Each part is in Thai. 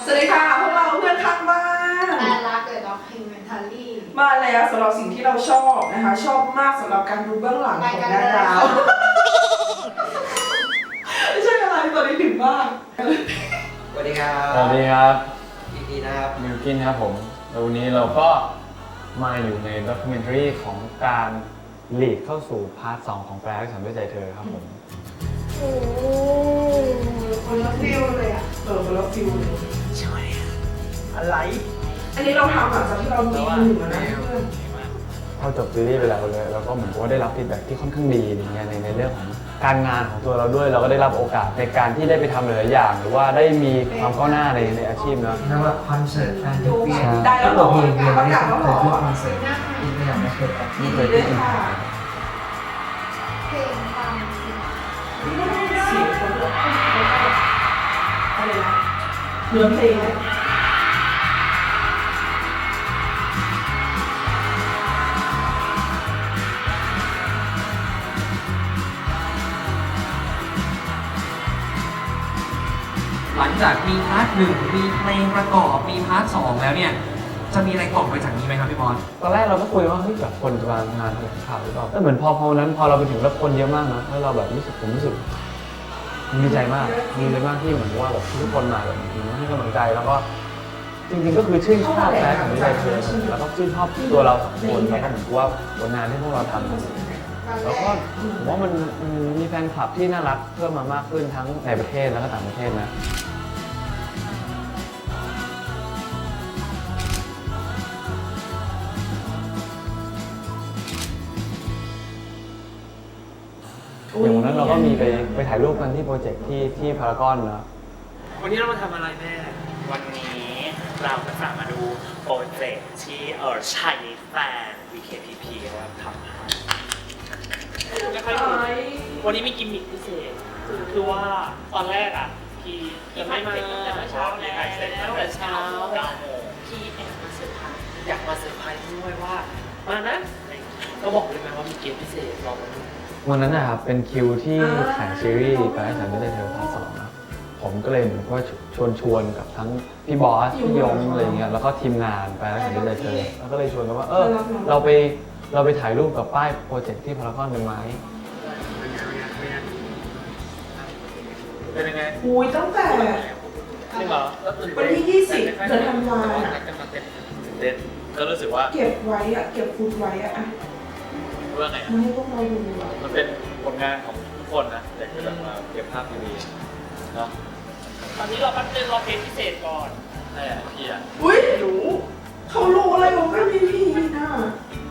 วัสดีค่ะพวกเราเพื่อนข้างบ้านแต่รักเดอะด็อกคิวเมนทารี่มาแล้วสำหรับสิ่งที่เราชอบนะคะชอบมากสำหรับการดูเบื้องหลังของนาดาวไม่ใช่อะไรตอนนี้ถึงมากสวัสดีครับสวัสดีครับยินดีนะครับมิวกินครับผมแล้ววันนี้เราก็มาอยู่ในด็อกิเมนทารีของการหลีกเข้าสู่พาร์ท 2 ของแปลรักฉันด้วยใจเธอครับผมโอ้คนละฟิลเลยอ่ะคนละฟิลเลยอะไรอันนี้เราทำหลังจากที่เราดูหนึ่งแล้วนะเพื่อนพอจบซีรีส์ไปแล้วเลยเราก็เหมือนกับว่าได้รับฟีดแบ็กที่ค่อนข้างดีอย่างเงี้ยในเรื่องของการงานของตัวเราด้วยเราก็ได้รับโอกาสในการที่ได้ไปทำหลายๆอย่าง หรือว่าได้มีความก้าวหน้าในอาชีพเนาะนั่นว่าคอนเสิร์ตแฟนมิวปี้ได้แล้วหรอเพลงเดียวประไม่กาศเคแล้วหรอยขึ้นคอนเสิร์ตที่ไม่อยากไม่เคยไปยินดีด้วยค่ะเพลงฟังสิเสียงคนละอะไรนะเนื้อเพลงเนี่ยหลังจากมีพาร์ทหนึ่งมีเพลงประกอบมีพาร์ทสองแล้วเนี่ยจะมีอะไรต่อไปจากนี้ไหมครับพี่บอลตอนแรกเราก็คุยว่าเฮ้ยแบบคนจะมางานแถลงข่าวหรือเปล่าแต่เหมือนพอวันนั้นพอเราไปถึงแล้วคนเยอะมากนะแล้วเราแบบผมรู้สึกดีใจมากที่เหมือนว่าแบบทุกคนมาแบบให้กำลังใจแล้วก็จริงๆก็คือชื่นชอบแฟนของใจเธอแล้วก็ชื่นชอบตัวเราสองคนแล้วก็เหมือนกับว่าผลงานที่พวกเราทำแล้วก็ผมว่ามันมีแฟนคลับที่น่ารักเพิ่มมามากขึ้นทั้งในประเทศแล้วก็ต่างประเทศนะอย่างวันนั้นเราก็มีไปถ่ายรูปกันที่โปรเจกต์ที่พารากอนเนาะวันนี้เรามาทำอะไรแม่วันนี้เราจะกลับมาดูโปรเจกต์ที่ชัยแฟน VKPP เราทำให้ไม่ค่อยรู้วันนี้มีกิมมิคพิเศษคือว่าตอนแรกอ่ะพี่จะไม่มาแต่เช้าแล้วแต่เช้า 9 โมงพี่แอบมาเซอร์ไพรส์อยากมาเซอร์ไพรส์ด้วยว่ามานะก็บอกเลยไหมว่ามีเกมพิเศษรอมาดูวันนั้นนะครับเป็นคิวที่ถ่ายซีรีส์แปลรักฉันไม่ได้เธอพาร์ท 2นะผมก็เลยเหมือนว่าชวนกับทั้งพี่บอสพี่ยงอะไรเงี้ยแล้วก็ทีมงานแปลรักฉันไม่ได้เธอแล้วก็เลยชวนกันว่าเราไปถ่ายรูปกับป้ายโปรเจกต์ที่พารากอนกันไหมเป็นยังไงคุยตั้งแต่จริงเหรอวันที่20เดือนธันวาคมเต้นก็รู้สึกว่าเก็บไว้อะเก็บฟุตไว้อะว่าไงมาให้พวกเราดูอะมันเป็นผลงานของทุกคนนะแต่คือแบบมาเก็บภาพดีๆเนาะตอนนี้เราแป๊บนึงรอเพลงพิเศษก่อนใช่อะพี่อะอุ้ยรู้เขารู้อะไรของกันพี่น่ะ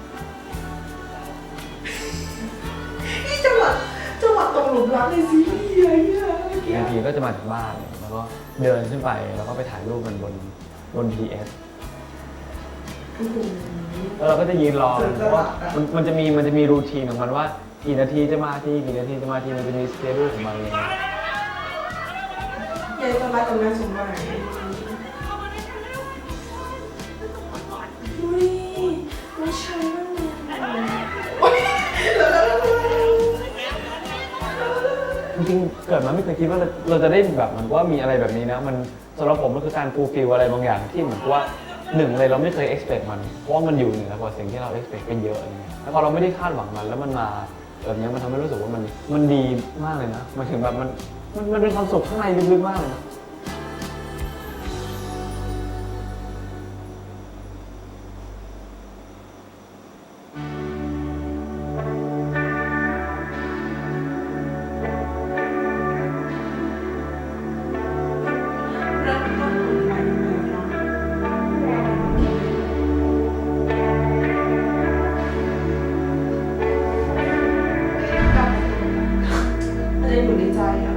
นี่จังหวะตกหลุมรักในซีรีส์อะไรเนี่ยอีกนาทีก็จะมาถึงบ้านแล้วก็เดินขึ้นไปแล้วก็ไปถ่ายรูปกันบน PS โอ้โหแล้วเราก็จะยืนรอเพราะว่ามันจะมีรูทีนของมันว่ากี่นาทีจะมาทีกี่นาทีจะมาทีมันจะมีสเกดูของมันเลยยายจะมาตรงนั้นสมบัติอุ้ยไม่ใช่บ้างเลยอุ้ยจริงๆเกิดมาไม่เคยคิดว่าเราจะได้แบบเหมือนว่ามีอะไรแบบนี้นะมันสำหรับผมมันคือการฟูลฟิลอะไรบางอย่างที่เหมือนกับว่าหนึ่งเลยเราไม่เคย expect มันเพราะว่ามันอยู่เหนือกว่าสิ่งที่เรา expect เป็นเยอะอะไรเงี้ยแล้วพอเราไม่ได้คาดหวังมันแล้วมันมาแบบนี้มันทำให้รู้สึกว่ามันดีมากเลยนะมันถึงแบบมันเป็นความสุขข้างในลึกๆมากเลยนะเริ่มต้นใหม่เลยเนาะอะไรอยู่ในใจอ่ะ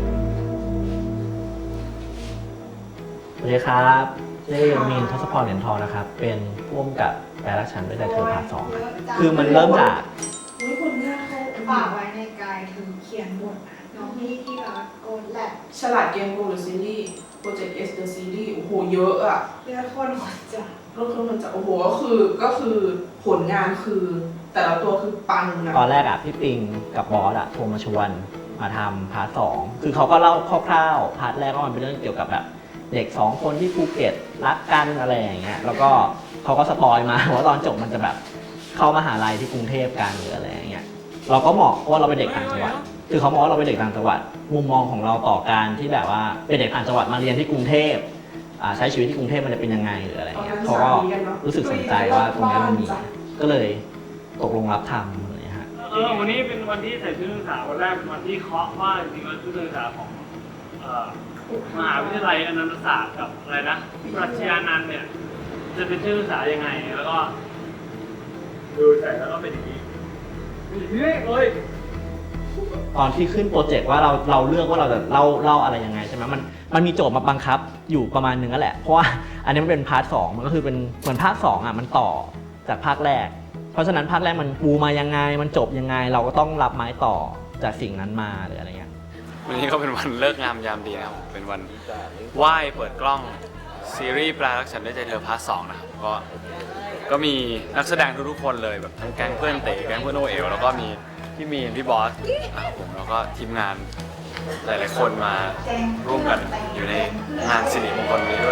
สวัสดีครับชื่อมีนทศพรเหรียญทองนะครับ เป็นผู้กำกับแปลรักฉันด้วยใจเธอพาร์ท 2ครับคือมันเริ่มจากอุ้ยคนหน้าเขาฝากไว้ในกายถึงเขียนบทนะน้องพี่ที่รักโกดแหละฉลาดเกมโกหรือซีรีส์โปรเจกต์ S The Series โอ้โหเยอะอ่ะเลือดคนหัวใจก็คือมันจะโอ้โหก็คือผลงานคือ แต่ละตัวคือปังนะตอนแรกอ่ะพี่ปิงกับบอสอ่ะโทรมาชวนมาทำพาร์ท 2คือเขาก็เล่าคร่าวๆพาร์ทแรกก็มันเป็นเรื่องเกี่ยวกับแบบเด็ก2คนที่ภูเก็ตรักกันอะไรอย่างเงี้ยแล้วก็เขาก็สปอยมา ว่าตอนจบมันจะแบบเข้ามหาลัยที่กรุงเทพกันหรืออะไรอย่างเงี้ยเราก็เหมาะเพราะว่าเราเป็นเด็กต่างจังหวัดคือเขามองว่าเราเป็นเด็กต่างจังหวัดมุมมองของเราต่อการที่แบบว่าเป็นเด็กต่างจังหวัดมาเรียนที่กรุงเทพใช้ชีวิตที่กรุงเทพมันจะเป็นยังไงหรืออะไรเงี้ยเขาก็รู้สึกสนใจว่าตรงนี้มันมีก็เลยตกลงรับทำอะไรฮะวันนี้เป็นวันที่ใส่ชุดนักศึกษาวันแรกเป็นวันที่เคาะว่าจริงๆแล้วชุดนักศึกษาของมหาวิทยาลัยอนันตศาสตร์กับอะไรนะปรัชญานันท์เนี่ยจะเป็นชุดนักศึกษายังไงแล้วก็ดูใส่แล้วก็เป็นอย่างนี้เลยตอนที่ขึ้นโปรเจกต์ว่าเราเลือกว่าเราจะเล่าอะไรยังไงใช่ไหมมันมีโจทย์มาบังคับอยู่ประมาณนึงนั่นแหละเพราะว่าอันนี้มันเป็นพาร์ท2มันก็คือเป็นเหมือนภาค2อ่ะมันต่อจากภาคแรกเพราะฉะนั้นภาคแรกมันปูมายังไงมันจบยังไงเราก็ต้องรับไม้ต่อจากสิ่งนั้นมาหรืออะไรเงี้ยวันนี้ก็เป็นวันเลิกงามยามดีนะครับเป็นวันไหว้เปิดกล้องซีรีส์แปลรักฉันด้วยใจเธอพาร์ท 2นะครับก็มีนักแสดงทุกๆคนเลยแบบทั้งแก๊งเพื่อนเต๋แก๊งเพื่อนโอเอ๋วแล้วก็มีพี่มีนพี่บอสนะครับผมแล้วก็ทีมงานหลายๆคนมาร่วมกันอยู่ในงานสิริมงคลนี้ด้วย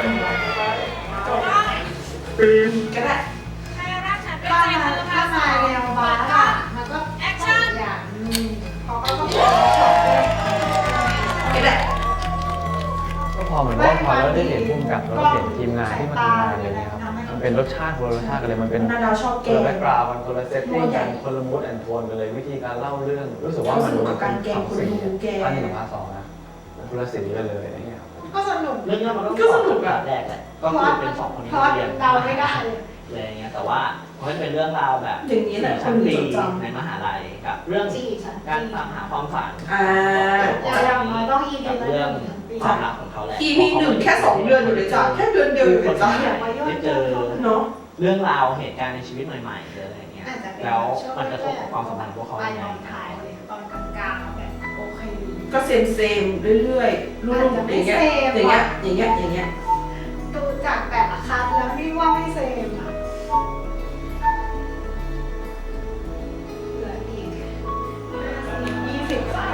ก็ได้ถ้ามาแนวบาร์อะมันก็แอคชั่นอย่างเขาก็ต้องช็อตก็ได้ก็พอเหมือนว่าพอเราได้เห็นพุ่มกับแล้วก็เห็นทีมงานที่มาทำงานอะไรเงี้ยครับมันเป็นรสชาติคนละรสชาติกันเลยมันเป็นคนละแบ็คกราวด์คนละเซตติ้งกันคนละมูดแอนโทนกันเลยวิธีการเล่าเรื่องรู้สึกว่ามันเป็นสองสีอันนี้กับพาร์ท 2นะคนละสีกันเลยอะไรเงี้ยก็สนุกเรื่องนี้มันต้องสนุกแบบแรกแหละก็คือเป็น2คนที่เรียนเราไม่ได้อะไรอย่างเงี้ยแต่ว่ามันเป็นเรื่องราวแบบอย่างนี้แหละชั้นปีในมหาลัยกับเรื่องการตามหาความฝันอย่างน้อยต้อง EP กับละเรื่อง 1 ปีความรักของเขาแหละ EP 1แค่2 เดือนอยู่เลยจ้ะแค่เดือนเดียวอยู่เลยจ้ะได้เจอเนาะเรื่องราวเหตุการณ์ในชีวิตใหม่ๆอะไรอย่างเงี้ยแล้วมันกระทบกับความสัมพันธ์ของพวกเขาไปยังตไงอนท้ายเลยตอนกลางๆแบบโอเคก็เซมเรื่อยๆรุ่นอย่างเงี้ยอย่างเงี้ยดูจากแต่ละคันแล้วนี่ว่าไม่เซมอ่ะเหลืออีก20คัน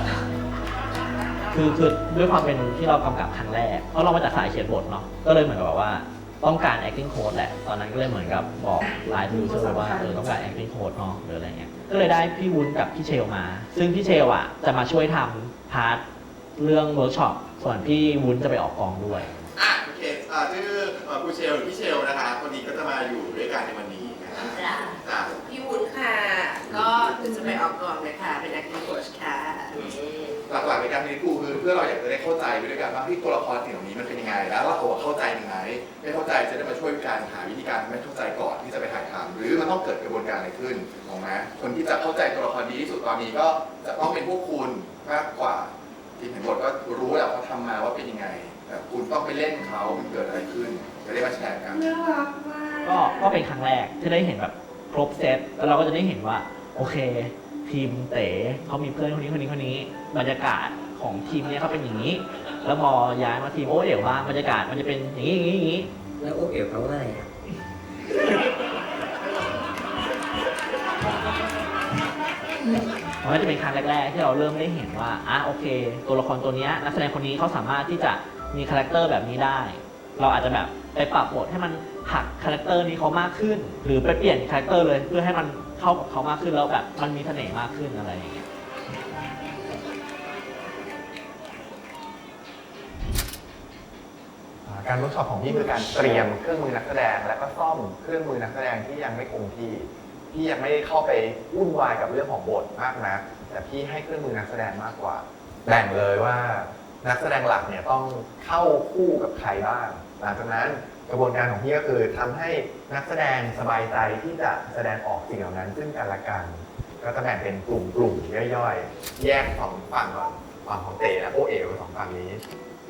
คือด้วยความเป็นที่เรากำกับครั้งแรกเพราะเรามาจากสายเขียนบทเนาะก็เลยเหมือนกับว่าต้องการ acting coach แหละตอนนั้นก็เลยเหมือนกับบอกไลน์ดูเซอร์ว่าต้องการ acting coach เนาะหรืออะไรเงี้ยก็เลยได้พี่วุ้นกับพี่เชลมา ซึ่งพี่เชลอ่ะจะมาช่วยทำพาร์ทเรื่องเวิร์กช็อปส่วนพี่วุ้นจะไปออกกองด้วยโอเคชื่อครูเชลหรือพี่เชลนะคะคนนี้ก็จะมาอยู่ด้วยกันในวันนี้นะครับพี่วุ้นค่ะ ก็จะไปออกกองเลยค่ะ เป็น acting coach ค่ะหลักๆในการเรียนครูคือเพื่อเราอยากจะได้เข้าใจไปด้วยกันว่าที่ตัวละครสิ่งเหล่านี้มันเป็นยังไงแล้วเราเข้าใจยังไงไม่เข้าใจจะได้มาช่วยกันหาวิธีการไม่เข้าใจก่อนที่จะไปถ่ายทำหรือมันต้องเกิดกระบวนการอะไรขึ้นถูกไหมคนที่จะเข้าใจตัวละครดีที่สุดตอนนี้ก็จะต้องเป็นพวกคุณมากกว่าที่เห็นบทก็รู้แล้วเขาทำมาว่าเป็นยังไงแต่คุณต้องไปเล่นเขามันเกิดอะไรขึ้นจะได้มาแชร์กันน่ารักมากก็เป็นครั้งแรกที่ได้เห็นแบบครบเซตแล้วเราก็จะได้เห็นว่าโอเคทีมเต๋เขามีเพื่อนคนนี้บรรยากาศของทีมเนี้ยเขาเป็นอย่างนี้ แล้วพอย้ายมาทีมโอ้เอ๋วบ้างบรรยากาศมันจะเป็นอย่างนี้แล้วโอเอ๋วเขาว่าอะไรอ่ะมันก็จะเป็นครั้งแรกๆที่เราเริ่มได้เห็นว่าโอเค ตัวละครตัวนี้นักแสดงคนนี้เขาสามารถที่จะมีคาแรคเตอร์แบบนี้ได้ เราอาจจะแบบไปปรับบทให้มันหักคาแรคเตอร์นี้เขามากขึ้น หรือไปเปลี่ยนคาแรคเตอร์เลยเพื่อให้มันเข้ากับเขามากขึ้นแล้วแบบมันมีเสน่ห์มากขึ้นอะไรอย่างเงี้ยการเวิร์กช็อปของพี่คือการเตรียมเครื่องมือนักแสดงและก็ซ่อมเครื่องมือนักแสดงที่ยังไม่คงที่พี่ยังไม่ได้เข้าไปวุ่นวายกับเรื่องของบทมากนะแต่พี่ให้เครื่องมือนักแสดงมากกว่าแบ่งเลยว่านักแสดงหลักเนี่ยต้องเข้าคู่กับใครบ้างหลังจากนั้นกระบวนการของพี่ก็คือทำให้นักแสดงสบายใจที่จะแสดงออกสิ่งเหล่านั้นซึ่งกันและกันก็จะแบ่งเป็นกลุ่มย่อยๆแยกสองฝั่งก่อนฝั่งของเต๋และโอเอ๋วสองฝั่งนี้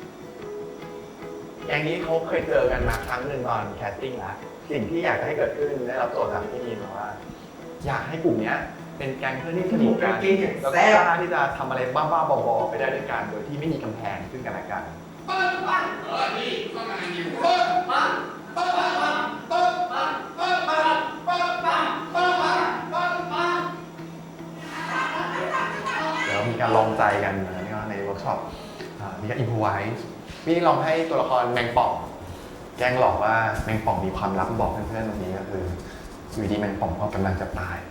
อย่างนี้เขาเคยเจอกันมาครั้งหนึ่งตอนแคสติ้งแล้วสิ่งที่อยากจะให้เกิดขึ้นได้รับโจทย์จากพี่นีมาว่า อยากให้กลุ่มนี้เป็นแก๊งเพื่อนที่สนิทกันแล้วก็กล้าที่จะทำอะไรบ้าๆบอๆไปได้ด้วยกันโดยที่ไม่มีกำแพงซึ่งกันและกันแล้วมีการลองใจกันในเวิร์กช็อปมีการอินพไวส์พี่ลองให้ตัวละครแมงป่องแกล้งหลอกว่าแมงป่องมีความลับบอกเพื่อนๆวันนี้ก็คืออยู่ดีแมงป่องก็กำลังจะตาย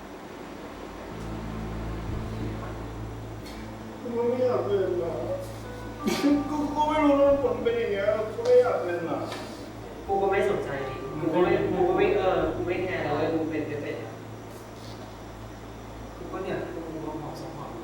กูไม่อยากเล่นอ่ะกูก็ไม่รู้ว่าผลเป็นอย่างเงี้ยกูไม่อยากเล่นอ่ะกูก็ไม่สนใจกูก็ไม่กูไม่แคร์เลยกูเป็นกูก็เนี่ยกูมองสองฝั่ง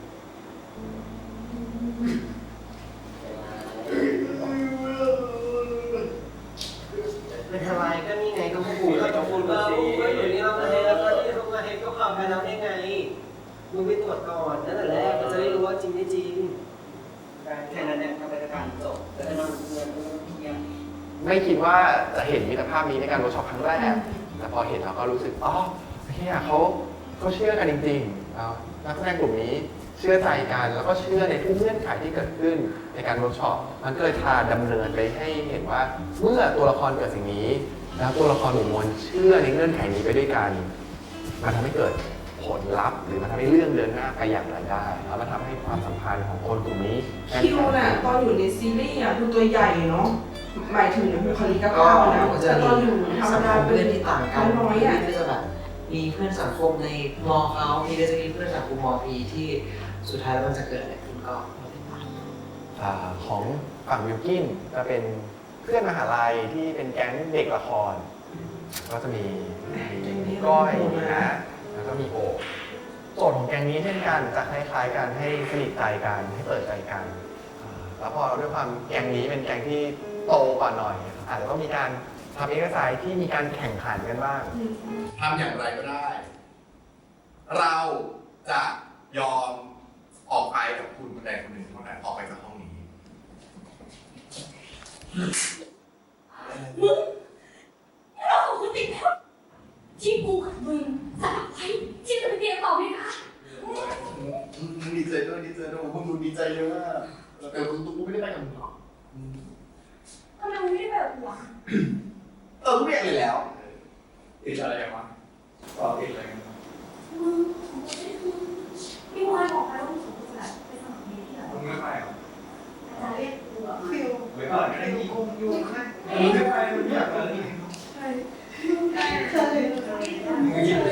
เป็นอะไรก็นี่ไงก็กูก็อยู่นี่เรามาให้แล้วก็ที่เขามาให้ก็ข่าวไปแล้วได้ไงมึงไปตรวจก่อนนั่นแหละแรกจะได้รู้ว่าจริงไม่จริงแค่นั้นเนี่ยทำไปการจบแต่ถ้าเราเงินเพียงไม่คิดว่าจะเห็นมิตรภาพนี้ในการเวิร์กช็อปครั้งแรกแต่พอเห็นเราก็รู้สึกอ๋อเฮียเขาเชื่อกันจริงๆนักแสดงกลุ่มนี้เชื่อใจกันแล้วก็เชื่อในทุกเงื่อนไขที่เกิดขึ้นในการเวิร์กช็อปมันก็เลยพาดำเนินไปให้เห็นว่าเมื่อตัวละครเกิดสิ่งนี้แล้วตัวละครหมู่มวลเชื่อในเงื่อนไขนี้ไปด้วยกันมันทำให้เกิดผลลัพธ์หรือมันทำให้เรื่องเดินหน้าไปอย่างไรได้แล้วมันทำให้ความสัมพันธ์ของคนกลุ่มนี้คิวน่ะตอนอยู่ในซีรีส์อ่ะดูตัวใหญ่เนาะหมายถึงบุคลิกภาพนะแต่ตอนอยู่ธรรมดาเป็นที่ต่างกันน้อยอ่ะก็จะแบบมีเพื่อนสังคมในมอเขามีก็จะมีเพื่อนสังคมมอพีที่สุดท้ายแล้วมันจะเกิดอะไรขึ้นก็ติดตามของฝั่งวิลกินจะเป็นเพื่อนมหาลัยที่เป็นแก๊งเด็กละครก็จะมีก้อยนะแล้วก็มีโอโจทย์ของแก๊งนี้เช่นกันจะคล้ายๆกันให้สนิทใจกันให้เปิดใจกันแล้วพอด้วยความแก๊งนี้เป็นแก๊งที่โตกว่าหน่อยอาจจะต้องมีการทำเอกสารที่มีการแข่งขันกันบ้างทำอย่างไรก็ได้ เราจะยอมออกไปกับคุณคนใดคนหนึ่งเท่านั้นออกไปจากห้องนี้มึงเราของคุณติดแล้วที่กูกับมึงสลับไว้ที่จะไปเรียนต่อไหมคะดีใจด้วยพวกมึงดีใจเยอะมากแต่กูไม่ได้ไปกับมึงหรอกทำไมมึงไม่ได้แบบหัวกูไม่อยากเรียนแล้วติดอะไรกันวะติดอะไรกันมึงของกูไม่ได้คือพี่วายบอกไปว่ามึงสมควรไปสมัครเรียนที่ไหนมึงไม่ไปหรอจะเรียกกูอะคิวไม่ไปไม่ได้ยิงอยู่ค่ะมึงไม่ไปมึงอยากไปใช่มึงยิงเลย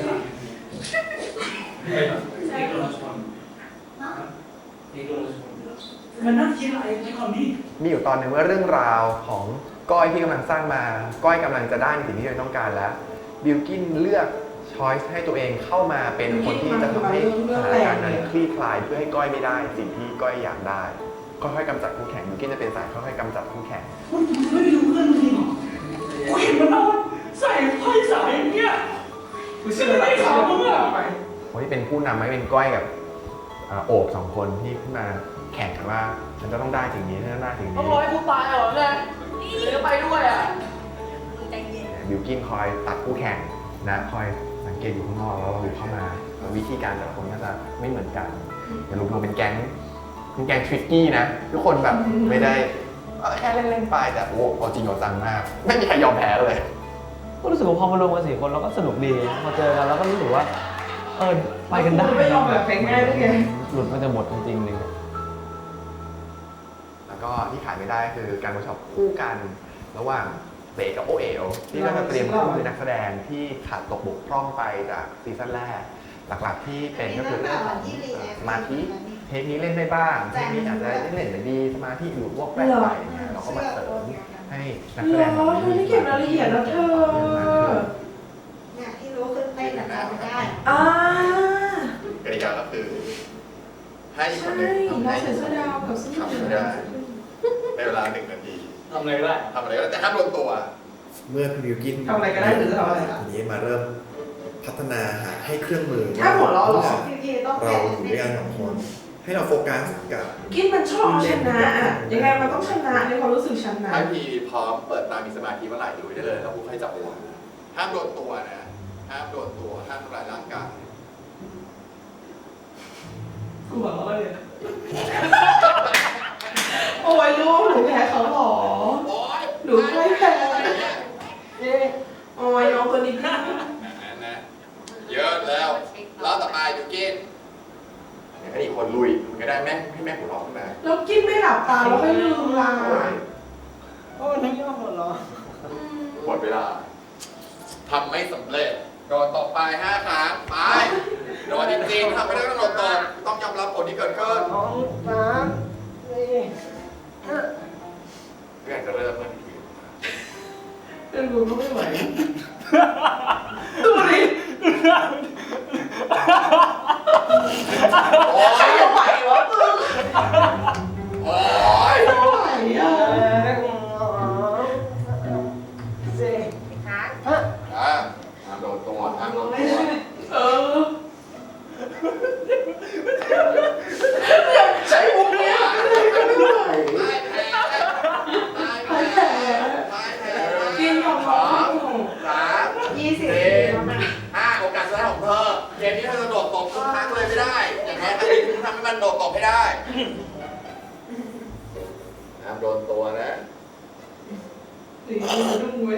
มันน่าคิดอะไรในความนี้มีอยู่ตอนหนึ่งว่าเรื่องราวของก้อยที่กำลังสร้างมาก้อยกำลังจะได้สิ่งที่ตัวเองต้องการแล้วบิลกินเลือกช้อยส์ให้ตัวเองเข้ามาเป็นคนที่จะทำให้สถานการณ์นั้นคลี่คลายเพื่อให้ก้อยไม่ได้สิ่งที่ก้อยอยากได้ค่อยๆกำจัดคู่แข่งบิลกินจะเป็นสายค่อยๆกำจัดคู่แข่งมันไม่รู้เรื่องจริงหรอกูเห็นมันนอนใส่ไพ่สายอย่างเงี้ยกูเชื่ออะไรเขาเมื่อไปคนที่เป็นผู้นำไม่เป็นก้อยกับโอบสองคนที่ขึ้นมาแข่งกันว่าฉันจะต้องได้สิ่งนี้ฉันจะได้สิ่งนี้ต้องร้อยกูตายเหรอเนี่ยเดี๋ยวไปด้วยอ่ะบิลกินคอยตัดคู่แข่งนะคอยสังเกตอยู่ข้างนอกแล้วเราเข้ามาวิธีการแต่ละคนก็จะไม่เหมือนกันอย่ารวมเป็นแก๊งทริกกี้นะทุกคนแบบไม่ได้แค่เล่นๆไปแต่โอ้เอาจริงเอาจังมากไม่มีใครยอมแพ้เลยก็รู้สึกว่าพอมารวมกัน4 คนเราก็สนุกดีพอเจอกันแล้วก็รู้สึกว่าไปกันได้ไม่ยอมแบบง่ายๆด้วยไงหลุดมันจะหมดจริงๆนึงแล้วก็ที่ขายไม่ได้คือการเวิร์กช็อปคู่กันระหว่างเต๋กับโอเอ๋วที่ก็จะเตรียมคู่เป็นนักแสดงที่ขาดตกบกพร่องไปจากซีซั่นแรกหลักๆที่เป็นก็คือเรื่องของสมาธิเทคนี้เล่นได้บ้างเทคนี้อาจจะเล่นไม่ดีสมาธิอยู่วอกแวกไปเนี่ยเราก็มาเสริมให้นักแสดงเธอได้เก็บรายละเอียดแล้วเธอเนี่ยที่รู้คือเต้นแต่จำไม่ได้กติกาก็คือให้คนหนึ่งทำเราให้ใส่เสื้อดาวกับเสื้อทำไม่ได้ในเวลา1 นาทีทำอะไรก็ได้ทำอะไรก็ได้แต่ห้ามโดนตัว เมื่อคุณบิวกินทำอะไรก็ได้หรือจะทำอะไรทีนี้มาเริ่มพัฒนาหาให้เครื่องมือถ้าหัวเราะหรอพี่ต้องเราอยู่ด้วยกัน2 คน ให้เราโฟกัสกับกินมันชอบชนะอ่ะยังไงมันต้องชนะในความรู้สึกชนะถ้าพี่พร้อมเปิดตามีสมาธิเมื่อไหร่ดูได้เลยแล้วผมให้จับเวลาห้ามโดนตัวนะห้ามโดนตัวห้ามทำลายร่างกายกูบอกว่าเลยโอ้ยลูกหนูแพ้เขาหรอหนูไม่แพ้โอ้ยน้องตัวนี้พี่นะเยอะแล้วรอบต่อไปบิวกินให้อีกคนลุยก็ได้แม่ให้แม่หัวเราะขึ้นมาแล้วกินไม่หลับตาเลแล้วค่อยลืมล่ะโอ้นี่ยอมหมดเหรอหมดเวลาทำไม่สำเร็จโดนตบไป5 ครั้งไปโดนจริงๆทำไม่ได้ต้องโดนตบต้องยอมรับผลที่เกิดขึ้น 2 3 4 เพื่อนจะเริ่มเมื่อทีเรื่องรู้ก็ไม่ไหวดูดิโอ้ยไม่ไหววะมึงโอ้ยไม่ไหวอ่ะโดนตัวโดนตัวเออใช้มุกเนี้ยไม่ไหวกินของเขา20 โอกาสสุดท้ายของเธอเกมนี้เธอจะโดดตบทุกครั้งเลยไม่ได้อย่างแท้ครั้งนี้คุณทำให้มันโดดตบให้ได้ห้ามโดนตัวนะตีมันดุ้งไว้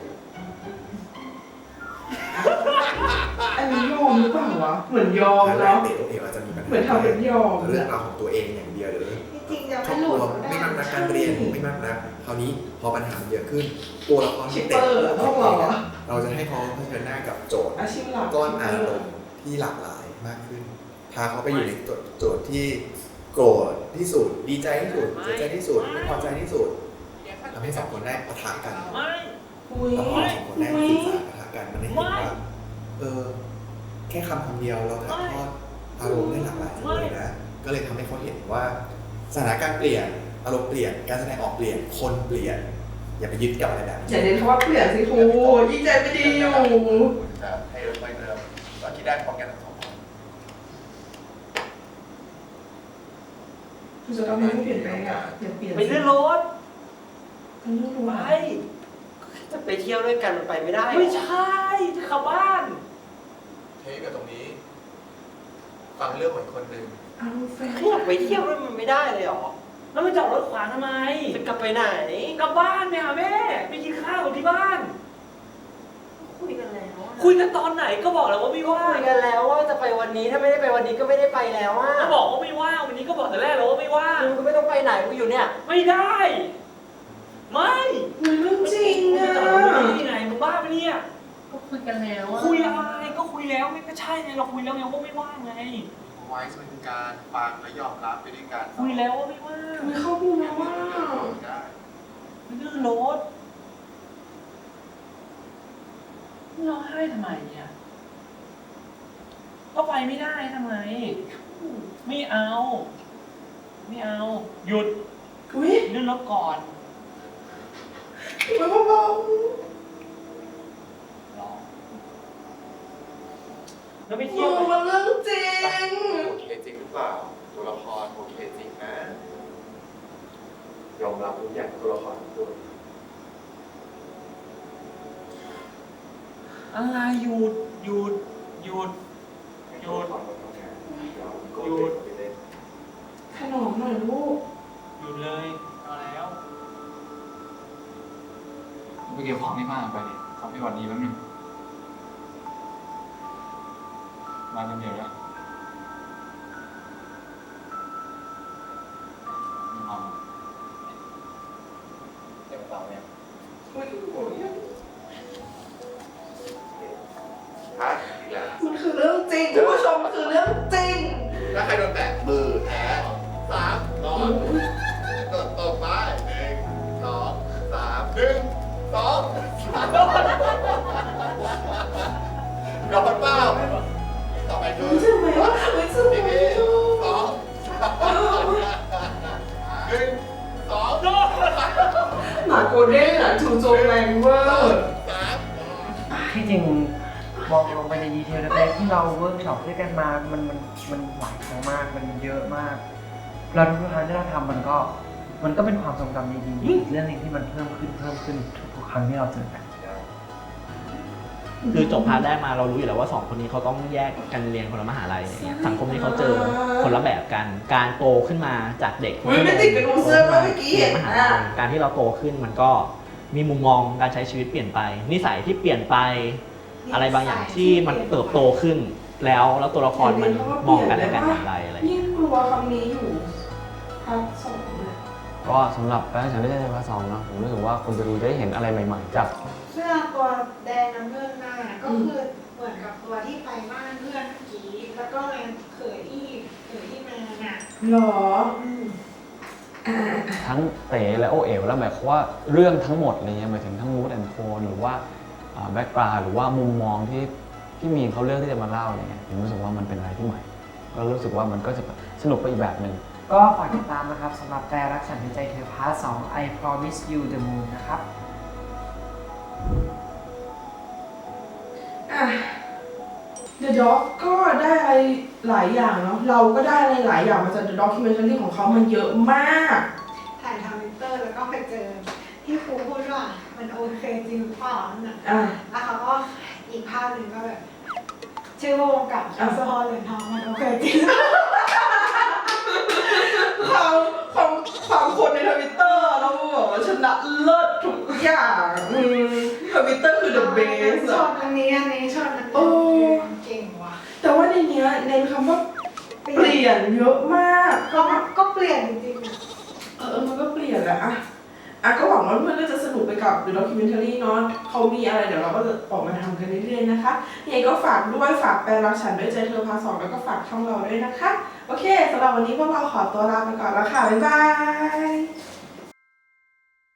อันนี้ยอมหรือเปล่าวะเหมือนยอมแล้แล้ว วเด็กตัวเองอาจจะมีปัญหาเหมือนทำเป็นยอมเรื่องราวของตัวเองอย่างเดียวหรือจริงๆจะครไม่อบหคลุรัวดไม่มากนักการเรียนไม่มากนักคราวนี้พอปัญหาเยอะขึ้น ตัวละครที่เต็มเราจะให้เขาเผชิญหน้ากับโจทย์อาชีพหลักก้อนอารมณ์ที่หลากหลายมากขึ้น พาเขาไปอยู่ในโจทย์ที่โกรธที่สุด ดีใจที่สุดเสียใจที่สุดไม่พอใจที่สุดทำให้สองคนได้ปะทะกันอุ้ยแล้วพอสองคนได้สื่อสารปะทะกันมันได้เห็นว่าแค่คำเดียวเราถ่ายทอดอารมณ์ได้หลากหลายเลยนะก็เลยทำให้เขาเห็นว่าสถานการณ์เปลี่ยนอารมณ์เปลี่ยนการแสดงออกเปลี่ยนคนเปลี่ยนอย่าไปยึดกับอะไรแบบนี้อย่าเน้นคำว่าเปลี่ยนสิครูยิ่งใจไม่ดีอยู่จะให้เริ่มเริ่มตอนที่ได้พร้อมกันทั้งสองคนคุณจะทำให้ผู้เปลี่ยนแปลงอ่ะอย่าเปลี่ยนไปเลื่อนรถไปเลื่อนรถไปจะไปเที่ยวด้วยกันมันไปไม่ได้ไม่ใช่จะขับบ้านเทคกับตรงนี้ ฟังเรื่องเหมือนคนหนึ่งเอาแฟนอยากไปเที่ยวด้วยมันไม่ได้เลยหรอแล้วมันจอดรถขวางทำไมจะกลับไปไหนกลับบ้านไปหาแม่ไปกินข้าวที่บ้านคุยกันแล้วคุยกันตอนไหนก็บอกแล้วว่าไม่ว่างคุยกันแล้วว่าจะไปวันนี้ถ้าไม่ได้ไปวันนี้ก็ไม่ได้ไปแล้วอ่ะก็บอกว่าไม่ว่างวันนี้ก็บอกแต่แรกแล้วว่าไม่ว่างมึงก็ไม่ต้องไปไหนกูอยู่เนี่ยไม่ได้ ไม่มันเรื่องจริงมึงอ่ะจะจอดรถที่ไหนมึงบ้าปะเนี่ยก็คุยกันแล้วอ่ะคุยอะไรก็คุยแล้วไงก็ใช่ไงเราคุยแล้วไงว่าไม่ว่างไงไว้เป็นการฟังและยอมรับไปด้วยกันคุยแล้วว่าไม่ว่างมันเข้าพูดมาว่าได้ไม่ลื่นรถร้องไห้ทำไมเนี่ยก็ไปไม่ได้ทำไมไม่เอา ไม่เอา หยุดอุ้ยลื่นรถก่อนมันเบารอแล้วไปๆเที่ยวมันเรื่องจริงโอเคจริงหรือเปล่า ตัวละครโอเคจริงนะยอมรับทุกอย่างตัวละครทุกตัวอะไรหยุดหยุดหยุดหยุด หยุดขนมหน่อยลูกหยุดเลยเอาแล้วไปเก็บของที่บ้านไปดิขอไปก่อนดีแป๊บนึงมาคนเดียวแล้วไม่เอาเต็มเตาเนี่ยอุ้ยโอ้ยฮะอีกแล้วมันคือเรื่องจริงคุณผู้ชมมันคือเรื่องจริงถ้าใครโดนแตะมือแพ้3 2โดดตบไป1 2 3 1 2 3โดนเปล่าต่อไปคือใช่ไหมว่าไม่ใช่ไหมนี่2 1 2 หมาโกลเด้นอ่ะถูโจมแรงเวอร์ที่จริงมองลงไปในดีเทลเล็กๆที่เราเวิร์กช็อปด้วยกันมา มันหลายครั้งมาก มันเยอะมาก เราทุกครั้งที่เราทำมันก็เป็นความทรงจำดีๆเรื่องนึงที่มันเพิ่มขึ้นทุกครั้งที่เราเจอกันคือจบพาร์ทแรกมาเรารู้อยู่แล้วว่าสองคนนี้เขาต้องแยกกันเรียนคนละมหาลัยอะไรเงี้ยสังคมที่เขาเจอคนละแบบกัน การโตขึ้นมาจากเด็กคนที่ไม่ติดกับดูเสื้อมาเมื่อกี้เรีเห็ยนนมหาอ่ะลัยการที่เราโตขึ้นมันก็มีมุมมองการใช้ชีวิตเปลี่ยนไป นิสัยที่เปลี่ยนไปอะไรบางอย่างที่มันเติบโตขึ้น แล้วตัวละครมันมองกันและกันอย่างไรอะไรยิ่งกลัวคำนี้อยู่ภาค 2เนี่ยก็สำหรับแฟนฉันได้ใจพาร์ท 2นะผมรู้สึกว่าคนไปดูจะได้เห็นอะไรใหม่ๆจากเสื้อตัวแดงน้ำเงินหน้าก็คือเหมือนกับตัวที่ไปบ้านเพื่อนเมื่อกี้แล้วก็เลยเขยที่มาน่ะหรอทั้งเต๋และโอเอ๋วแล้วหมายความว่าเรื่องทั้งหมดอะไรเงี้ยหมายถึงทั้งมูดแอนโทนหรือว่าแบ็กกราวด์หรือว่ามุมมองที่มีนเขาเลือกที่จะมาเล่าอะไรเงี้ยผมรู้สึกว่ามันเป็นอะไรที่ใหม่ก็รู้สึกว่ามันก็จะสนุกไปอีกแบบหนึ่งก็ฝากติดตามนะครับสำหรับแต่รักฉันในใจเธอพาร์ท 2 I Promise You the Moon นะครับ The Dog ก็ได้อะไรหลายอย่างเนาะเราก็ได้อะไรหลายอย่างมาจาก The Documentary ของเขามันเยอะมากถ่ายทวิตเตอร์แล้วก็ไปเจอที่ครูพูดว่ามันโอเคจริงหรือเปล่านั่นน่ะแล้วเขาก็อีกภาพหนึ่งก็แบบชื่อวงกับอัลซฮอลเหรียญทองมันโอเคจริงความคนในทวิตเตอร์เราแบบว่าชนะเลิศทุกอย่างทวิตเตอร์คือ the best ชอบอันนี้ชอบอันนี้เก่งว่ะแต่ว่าในเนี้ยในคำว่าเปลี่ยนเยอะมากก็เปลี่ยนจริงๆมันก็เปลี่ยนแหละก็หวังว่าเพื่อนก็จะสนุกไปกับ The Documentary เนาะเขามีอะไรเดี๋ยวเราก็จะออกมาทำกันเรื่อยๆนะคะยังไงก็ฝากด้วยฝากแปลรักฉันด้วยใจเธอพาร์ท 2แล้วก็ฝากช่องเราด้วยนะคะโอเคสำหรับวันนี้พวกเราขอตัวลาไปก่อนแล้วค่ะบ๊ายบาย